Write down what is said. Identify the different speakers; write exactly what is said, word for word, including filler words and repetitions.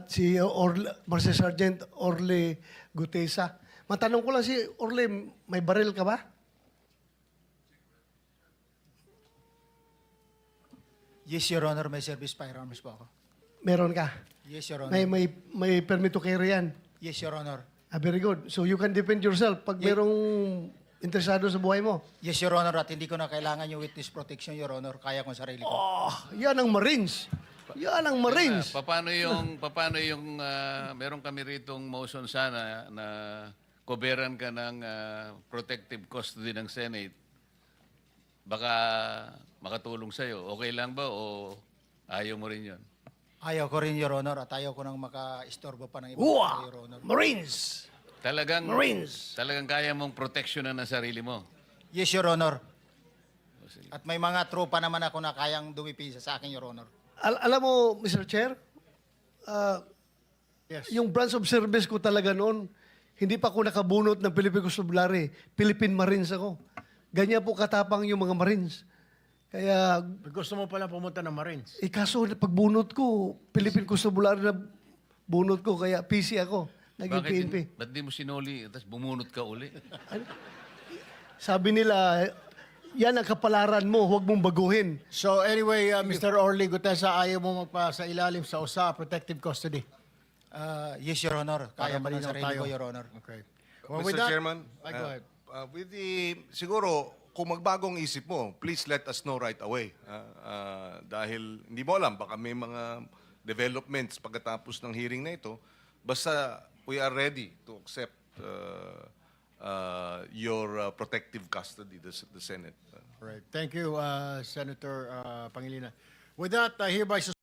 Speaker 1: at si Orle, Master Sergeant Orle Gutesa. Matanong ko lang si Orle, may baril ka ba?
Speaker 2: Yes, Your Honor, may service firearms po ako.
Speaker 1: Meron ka?
Speaker 2: Yes, Your Honor.
Speaker 1: May, may, may permit to carry yan?
Speaker 2: Yes, Your Honor.
Speaker 1: Ah, very good. So you can defend yourself pag
Speaker 2: Ye-
Speaker 1: merong interesado sa buhay mo.
Speaker 2: Yes, Your Honor, at hindi ko na kailangan yung witness protection, Your Honor. Kaya ko sarili ko.
Speaker 1: Oh, yan ang Marines. Yan ang Marines.
Speaker 3: Pa- paano yung paano yung ah, meron kami ritong motion sana na koberan ka ng ah, protective custody ng Senate. Baka makatulong sa iyo. Okay lang ba o ayaw mo rin 'yon?
Speaker 2: Ayaw ko rin, Your Honor, at ayaw ko nang maka-istorbo pa ng ibang
Speaker 1: Uwa!
Speaker 2: tao, Your Honor.
Speaker 1: Marines!
Speaker 3: Talagang
Speaker 1: Marines!
Speaker 3: Talagang kaya mong proteksyonan ang sarili mo.
Speaker 2: Yes, Your Honor. At may mga tropa naman ako na kayang dumipisa sa akin, Your Honor.
Speaker 1: Al- alam mo, Mister Chair, ah,
Speaker 2: Yes.
Speaker 1: yung branch of service ko talaga noon, hindi pa ako nakabunot ng Philippine Constabulary. Philippine Marines ako. Ganyan po katapang yung mga Marines. Kaya,
Speaker 4: Gusto mo pala pumunta ng Marines.
Speaker 1: eh kaso pagbunot ko, Philippine Constabulary na bunot ko, kaya P C ako. Naging
Speaker 3: Bakit
Speaker 1: P N P.
Speaker 3: din- ba't di mo sinuli tapos bumunot ka uli?
Speaker 1: Sabi nila, yan ang kapalaran mo, huwag mong baguhin.
Speaker 4: So anyway, uh, Mister Orly Gutesa, ayaw mo magpa sa ilalim sa U S A protective custody.
Speaker 2: Ah, yes, Your Honor. Kaya ko ng
Speaker 4: malinaw
Speaker 2: sarili ko, Your Honor.
Speaker 4: Okay. Well,
Speaker 5: Mister
Speaker 4: with that,
Speaker 5: Chairman,
Speaker 4: Ay, go
Speaker 5: uh,
Speaker 4: ahead.
Speaker 5: uh, with the, siguro, kung magbagong isip mo, please let us know right away. Uh, uh, dahil hindi mo alam, baka may mga developments pagkatapos ng hearing na ito. Basta we are ready to accept uh, uh, your uh, protective custody, the, the Senate. Uh,
Speaker 4: All right. Thank you, uh, Senator uh, Pangilinan. With that, I hereby